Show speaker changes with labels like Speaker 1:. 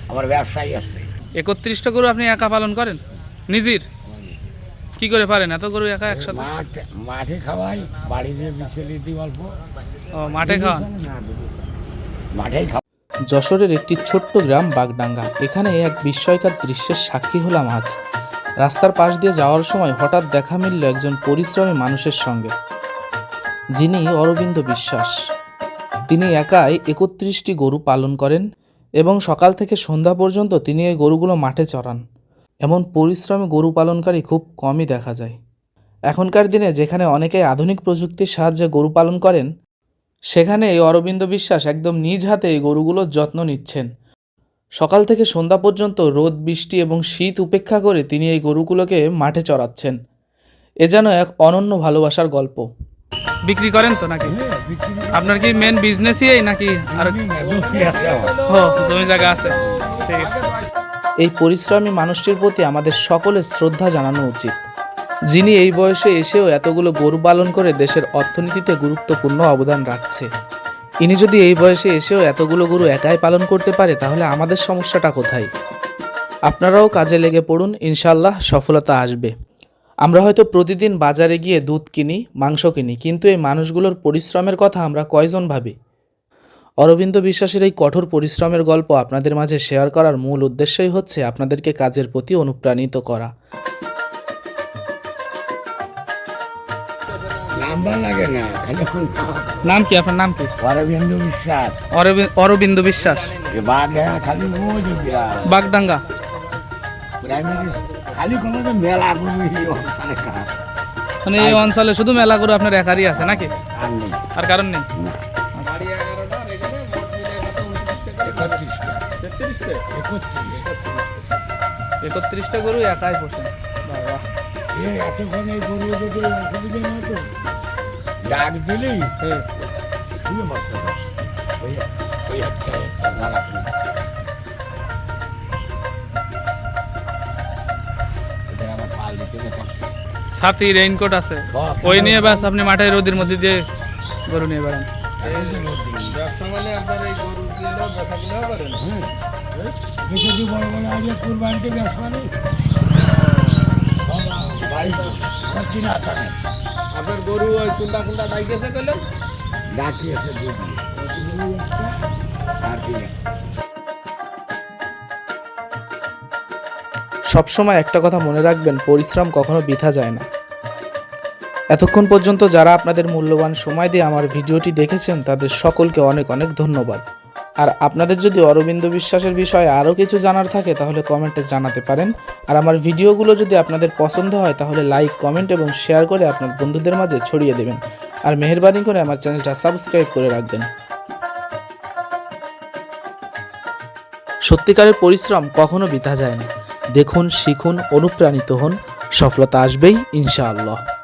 Speaker 1: আমার ব্যবসায়ী আছে।
Speaker 2: 31টা গরু আপনি একা পালন করেন নিজের? কি করে পারেন এত গরু একা একসাথে?
Speaker 1: মাঠে খাওয়াই, বাড়িতে বিচেলি দিই অল্প।
Speaker 2: ও, মাঠে খাওয়ান?
Speaker 1: মাঠেই খাওয়া।
Speaker 3: যশোরের একটি ছোট্ট গ্রাম বাগডাঙ্গা। এখানে এক বিস্ময়কর দৃশ্যের সাক্ষী হলাম আজ। রাস্তার পাশ দিয়ে যাওয়ার সময় হঠাৎ দেখা মিলল একজন পরিশ্রমী মানুষের সঙ্গে, যিনি অরবিন্দ বিশ্বাস। তিনি একাই 31টি গরু পালন করেন এবং সকাল থেকে সন্ধ্যা পর্যন্ত তিনি এই গরুগুলো মাঠে চড়ান। এমন পরিশ্রমী গরু পালনকারী খুব কমই দেখা যায়। এখনকার দিনে যেখানে অনেকেই আধুনিক প্রযুক্তির সাহায্যে গরু পালন করেন, সেখানে এই অরবিন্দ বিশ্বাস একদম নিজ হাতে এই গরুগুলোর যত্ন নিচ্ছেন। সকাল থেকে সন্ধ্যা পর্যন্ত রোদ, বৃষ্টি এবং শীত উপেক্ষা করে তিনি এই গরুগুলোকে মাঠে চড়াচ্ছেন। এ যেন এক অনন্য ভালোবাসার গল্প।
Speaker 2: বিক্রি করেন তো নাকি? আপনার কি মেন বিজনেসই এই নাকি আর জমি জায়গা আছে? ঠিক আছে।
Speaker 3: এই পরিশ্রমী মানুষটির প্রতি আমাদের সকলের শ্রদ্ধা জানানো উচিত, যিনি এই বয়সে এসেও এতগুলো গরু পালন করে দেশের অর্থনীতিতে গুরুত্বপূর্ণ অবদান রাখছে। ইনি যদি এই বয়সে এসেও এতগুলো গরু একাই পালন করতে পারে, তাহলে আমাদের সমস্যাটা কোথায়? আপনারাও কাজে লেগে পড়ুন, ইনশাল্লাহ সফলতা আসবে। আমরা হয়তো প্রতিদিন বাজারে গিয়ে দুধ কিনি, মাংস কিনি, কিন্তু এই মানুষগুলোর পরিশ্রমের কথা আমরা কয়জন ভাবি? অরবিন্দ বিশ্বাসের এই কঠোর পরিশ্রমের গল্প আপনাদের মাঝে শেয়ার করার মূল উদ্দেশ্যই হচ্ছে আপনাদেরকে কাজের প্রতি অনুপ্রাণিত করা।
Speaker 1: নাম্বার লাগে না, খালি
Speaker 2: নাম কি আপনার? নাম কি?
Speaker 1: অরবিন্দ বিশ্বাস।
Speaker 2: অরবিন্দ বিশ্বাস।
Speaker 1: খালি
Speaker 2: বাগডাঙ্গা
Speaker 1: প্রাইমারি খালি কোনো তো মেলা
Speaker 2: মানে এই অঞ্চলে শুধু মেলা গরু আপনার একারই আছে নাকি?
Speaker 1: আর নেই,
Speaker 2: আর কারণ নেই? 31টা গরু একাই পোষেন?
Speaker 1: এতক্ষণ এই গরু যদি অসুবিধা না হতো, ডাক দিলেই শুয়ে মরতে পারে। ওই হচ্ছে মেলা।
Speaker 2: ছাতি, রেইনকোট আছে, ওই নিয়ে ব্যাস আপনি মাঠে রোদের মধ্যে দিয়ে গরু নিয়ে বেড়ান।
Speaker 1: কুরবানিতে ব্যবসা নেই।
Speaker 2: আপনার গরু ওই কোনটা কোনটা ডাইকেছে কইলেন?
Speaker 1: ডাকিয়েছে
Speaker 3: সবসময় একটা কথা মনে রাখবেন, পরিশ্রম কখনো বৃথা যায় না। এতক্ষণ পর্যন্ত যারা আপনাদের মূল্যবান সময় দিয়ে আমার ভিডিওটি দেখেছেন, তাদের সকলকে অনেক অনেক ধন্যবাদ। আর আপনাদের যদি অরবিন্দ বিশ্বাসের বিষয়ে আরও কিছু জানার থাকে তাহলে কমেন্টে জানাতে পারেন। আর আমার ভিডিওগুলো যদি আপনাদের পছন্দ হয় তাহলে লাইক, কমেন্ট এবং শেয়ার করে আপনার বন্ধুদের মাঝে ছড়িয়ে দেবেন। আর মেহেরবানি করে আমার চ্যানেলটা সাবস্ক্রাইব করে রাখবেন। সত্যিকারের পরিশ্রম কখনো বৃথা যায় না। দেখুন, শিখুন, অনুপ্রাণিত হন, সফলতা আসবেই ইনশাআল্লাহ।